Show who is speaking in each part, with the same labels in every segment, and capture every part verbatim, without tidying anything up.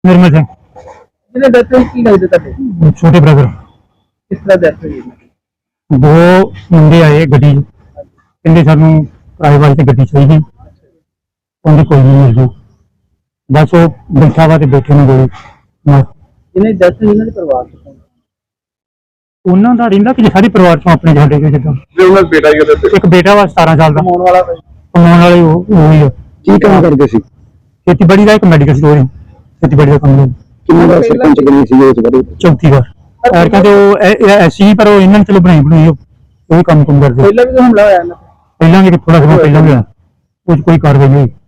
Speaker 1: निर्मल सिंह
Speaker 2: ਜਿਹਨੇ ਡੈਥ ਹੋਈ ਕੀ ਲੱਗਦਾ ਤੁਹਾਡੇ?
Speaker 1: छोटे ब्रदर।
Speaker 2: ਕਿਸ ਤਰ੍ਹਾਂ ਡੈਥ ਹੋਈ ਇਹਨਾਂ ਦੀ?
Speaker 1: दो मुंडे आए गड्डी कहते सानू किराए वास्ते गड्डी चाहिए कहते कोई नहीं मिल जू बस वो बैठा वा ते बैठे ने गोली मार
Speaker 2: ਜਿਹਨੇ ਡੈਥ ਹੋਈ ਇਹਨਾਂ ਦੇ ਪਰਿਵਾਰ ਚ ਕੌਣ?
Speaker 1: ਉਹਨਾਂ ਦਾ ਰਹਿੰਦਾ ਕਿ ਸਾਰੇ ਪਰਿਵਾਰ ਚੋਂ ਆਪਣੇ ਸਾਡੇ ਕੋਲ ਜਿੱਦਾਂ
Speaker 3: ਜੇ ਉਹਨਾਂ ਦਾ ਬੇਟਾ ਹੀ ਉਹਦੇ
Speaker 1: ਇੱਕ ਬੇਟਾ ਵਾ ਸਤਾਰਾਂ ਸਾਲ ਦਾ
Speaker 2: ਕਮਾਉਣ ਵਾਲਾ ਕੋਈ?
Speaker 1: ਕਮਾਉਣ ਵਾਲੇ ਉਹ ਉਹੀ ਆ।
Speaker 4: ਕੀ ਕੰਮ ਕਰਦੇ ਸੀ?
Speaker 1: ਖੇਤੀਬਾੜੀ ਦਾ ਇੱਕ ਮੈਡੀਕਲ ਸਟੋਰ ਹੈ ਖੇਤੀਬਾੜੀ ਦਾ ਕੰਮ ਹੈ।
Speaker 4: ਕਿੰਨੇ ਦਾ ਸਰਪੰਚ ਬਣੀ ਸੀ ਇਸ ਬਾਰੇ?
Speaker 1: ਚੌਥੀ ਵਾਰ ਔਰ ਕਹਿੰਦੇ ਉਹ ਐਸੀ ਪਰ ਉਹ ਇਹਨਾਂ ਨੇ ਚਲੋ ਬਣਾਈ ਬਣਾਈ ਉਹ ਵੀ ਕੰਮ ਕੰਮ ਕਰਦੇ
Speaker 2: ਪਹਿਲਾਂ ਵੀ ਤਾਂ ਹਮਲਾ ਹੋਇਆ ਇਹਨਾਂ ਤੇ?
Speaker 1: ਪਹਿਲਾਂ ਵੀ ਥੋੜਾ ਸਮਾਂ ਪਹਿਲਾਂ ਵੀ ਹੋਇਆ ਉਹ 'ਚ ਕੋਈ ਕਾਰਵਾਈ ਨਹੀਂ ਹੋਈ।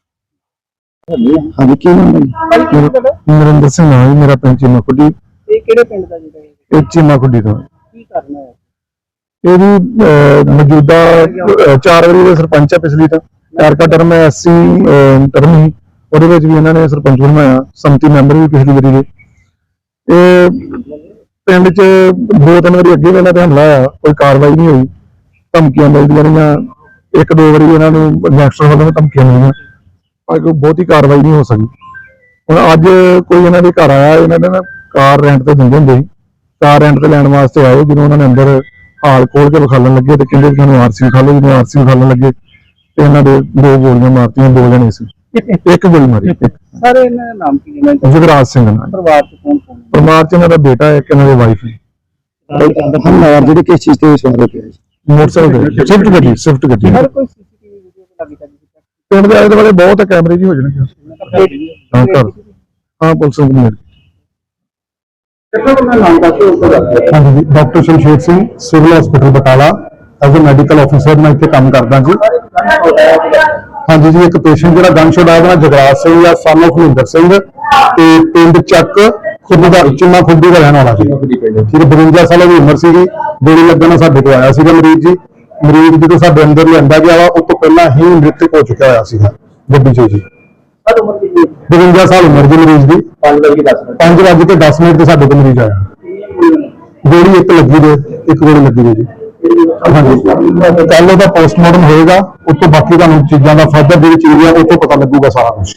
Speaker 4: ਹਾਂਜੀ ਕੀ ਨਾਮ ਹੈ?
Speaker 2: ਭਾਈ ਕੀ ਤੁਹਾਡਾ?
Speaker 4: ਨਰਿੰਦਰ ਸਿੰਘ ਨਾਮ ਹੈ ਮੇਰਾ, ਪਿੰਡ ਚੀਮਾ ਖੁੱਡੀ।
Speaker 2: ਇਹ ਕਿਹੜੇ ਪਿੰਡ ਦਾ ਜਿਹੜਾ ਇਹ?
Speaker 4: ਇਹ ਚੀਮਾ ਖੁੱਡੀ ਤੋਂ
Speaker 2: ਕੀ ਕਰਨਾ ਹੈ?
Speaker 4: ਇਹਦੀ ਅਹ, ਮੌਜੂਦਾ ਅਹ, ਚਾਰ ਵਾਰੀ ਦੇ ਸਰਪੰਚ ਹੈ ਪਿਛਲੀ ਤਾਂ ਚਾਰ ਕਾ ਟਰਮ ਹੈ ਐਸਸੀ ਟਰਮ ਹੀ ਉਹਦੇ ਵਿੱਚ ਵੀ ਇਹਨਾਂ ਨੇ ਸਰਪੰਚ ਬਣਾਇਆ, ਸੰਮਤੀ ਮੈਂਬਰ ਵੀ ਪਿਛਲੀ ਵਾਰੀ ਦੇ। ਇਹ ਪਿੰਡ 'ਚ ਦੋ ਤਿੰਨ ਵਾਰੀ ਅੱਗੇ ਵੀ ਇਹਨਾਂ ਤੇ ਹਮਲਾ ਹੋਇਆ, ਕੋਈ ਕਾਰਵਾਈ ਨਹੀਂ ਹੋਈ, ਧਮਕੀਆਂ ਮਿਲਦੀਆਂ ਰਹੀਆਂ, ਇੱਕ ਦੋ ਵਾਰੀ ਇਹਨਾਂ ਨੂੰ ਗੈਂਗਸਟਰ ਵੱਲੋਂ ਧਮਕੀਆਂ ਮਿਲੀਆਂ ਪਰ ਕੋਈ ਬਹੁਤੀ ਕਾਰਵਾਈ ਨਹੀਂ ਹੋ ਸਕੀ। ਹੁਣ ਅੱਜ ਕੋਈ ਇਹਨਾਂ ਦੇ ਘਰ ਆਇਆ, ਇਹਨਾਂ ਨੇ ਨਾ ਕਾਰ ਰੈਂਟ ਤੇ ਦਿੰਦੇ ਹੁੰਦੇ ਸੀ, ਕਾਰ ਰੈਂਟ ਤੇ ਲੈਣ ਵਾਸਤੇ ਆਏ, ਜਦੋਂ ਉਹਨਾਂ ਨੇ ਅੰਦਰ ਹਾਲ ਖੋਲ ਕੇ ਵਿਖਾਲਣ ਲੱਗੇ ਤੇ ਕਹਿੰਦੇ ਤੁਹਾਨੂੰ ਆਰਸੀ ਵਿਖਾ ਲਓ, ਜਦੋਂ ਆਰਸੀ ਵਿਖਾਲਣ ਲੱਗੇ ਤੇ ਇਹਨਾਂ ਦੇ ਦੋ ਗੋਲੀਆਂ ਮਾਰਤੀਆਂ, ਦੋ ਜਣੇ ਸੀ, ਇੱਕ ਗੋਲੀ ਮਾਰੀ।
Speaker 2: ਸਾਰੇ ਇਹਨਾਂ ਦਾ ਨਾਮ ਕੀ ਹੈ?
Speaker 4: ਜੁਗਰਾਜ ਸਿੰਘ ਨਾਲ
Speaker 2: ਪਰਿਵਾਰ ਚ ਕੌਣ ਕੌਣ ਹੈ?
Speaker 4: ਪਰਿਵਾਰ ਚ ਇਹਨਾਂ ਦਾ ਬੇਟਾ ਹੈ, ਇੱਕ ਇਹਨਾਂ ਦੀ ਵਾਈਫ ਹੈ। ਹਮਲਾਵਰ ਜਿਹੜੇ ਕਿਸ ਚੀਜ਼ ਤੇ ਸਵਾਰ ਹੋ ਕੇ ਆਏ? ਮੋਟਰਸਾਈਕਲ, ਸਵਿਫਟ ਗੱਡੀ, ਸਵਿਫਟ ਗੱਡੀ।
Speaker 2: ਹਰ ਕੋਈ ਸੀਸੀਟੀਵੀ ਵੀਡੀਓ ਤੇ ਲੱਗੀ ਚੱਲਦੀ ਹੈ।
Speaker 4: ਪਿੰਡ ਦੇ ਆਲੇ ਦੁਆਲੇ ਬਹੁਤ ਕੈਮਰੇ ਜੀ ਹੋ ਜਾਣਗੇ। ਹਾਂ ਕਰ ਹਾਂ ਪੁਲਿਸ ਨੂੰ ਮਿਲ
Speaker 2: ਕਿਹੜਾ ਬੰਦਾ ਨਾਮ ਦੱਸੋ ਉਸ ਦਾ?
Speaker 4: ਹਾਂਜੀ, doctor Shamsher Singh, civil hospital Batala, as a medical officer ਮੈਂ ਇੱਥੇ ਕੰਮ ਕਰਦਾ ਜੀ। ਹਾਂਜੀ ਜੀ, ਇੱਕ ਪੇਸ਼ੈਂਟ ਜਿਹੜਾ ਗਨ ਸ਼ਾਟ ਆਇਆ ਉਹਦਾ ਜਗਰਾਜ ਸਿੰਘ ਜਾਂ ਸਨ ਆਫ ਮਹਿੰਦਰ ਸਿੰਘ ਤੇ ਪਿੰਡ ਚੱਕ ਖੁੱਡੀ ਦਾ ਚਿੰਮਾ ਖੁੱਡੀ ਦਾ ਰਹਿਣ ਵਾਲਾ ਸੀ। ਠੀਕ ਬਵੰਜਾ ਸਾਲਾਂ ਦੀ ਉਮਰ ਸੀਗੀ। ਗੋਲੀ ਲੱਗਣ ਨਾਲ ਸਾਡੇ ਕੋਲ ਆਇਆ ਸੀਗਾ ਮਰੀਜ਼ ਜੀ। ਮਰੀਜ਼ ਜਦੋਂ ਸਾਡੇ ਅੰਦਰ ਲਿਆਂਦਾ ਗਿਆ ਵਾ ਉਸ ਤੋਂ ਪਹਿਲਾਂ ਹੀ ਮ੍ਰਿਤਕ ਹੋ ਚੁੱਕਿਆ ਹੋਇਆ ਸੀਗਾ ਗੱਡੀ 'ਚ ਜੀ।
Speaker 2: ਹਰ ਉਮਰ ਦੀ
Speaker 4: ਬਵੰਜਾ ਸਾਲ ਉਮਰ ਦੀ ਮਰੀਜ਼ ਦੀ।
Speaker 2: ਪੰਜ ਵਜੇ ਦਸ ਮਿੰਟ
Speaker 4: ਪੰਜ ਵਜੇ ਤੇ ਦਸ ਮਿੰਟ ਤੇ ਸਾਡੇ ਕੋਲ ਮਰੀਜ਼ ਆਇਆ। ਗੋਲੀ ਇੱਕ ਲੱਗੀ ਦੇ, ਇੱਕ ਗੋਲੀ ਲੱਗੀ ਦੇ ਜੀ। ਹਾਂਜੀ, ਕੱਲ ਉਹਦਾ ਪੋਸਟਮਾਰਟਮ ਹੋਏਗਾ, ਉਸ ਤੋਂ ਬਾਕੀ ਤੁਹਾਨੂੰ ਚੀਜ਼ਾਂ ਦਾ ਫਰਦਰ ਜਿਹੜੀ ਚੀਜ਼ ਹੈ ਉਹ ਤੋਂ ਪਤਾ ਲੱਗੂਗਾ ਸਾਰਾ ਕੁਝ।